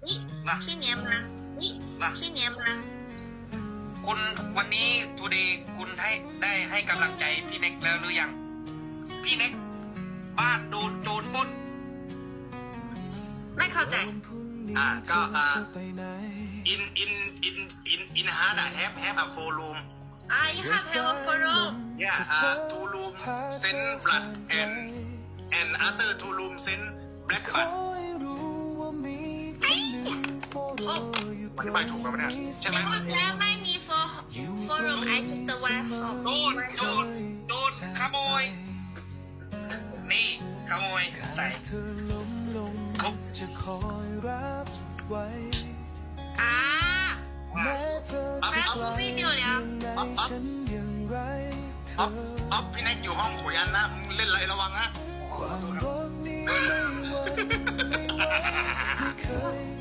นี่มาพี่เนียมานี่มาพี่เนียมาคุณวันนี้ทูเดย์คุณได้ให้กำลังใจพี่เน็กแล้วหรือยังพี่เน็กบ้านโดนโจรปล้นไม่เข้าใจก็in hard have a four room you have a forum two room send blood and other two room send black blood อธิบายถูกไหมเนี่ยใช่ไหมแล้วไม่มีforum I just the one โดนขโมยนี่ขโมยใส่ครบแม่กูวิดีโอแล้วอ๊อฟพี่แน็กอยู่ห้องขุยันนะมึงเล่นอะไรระวังนะ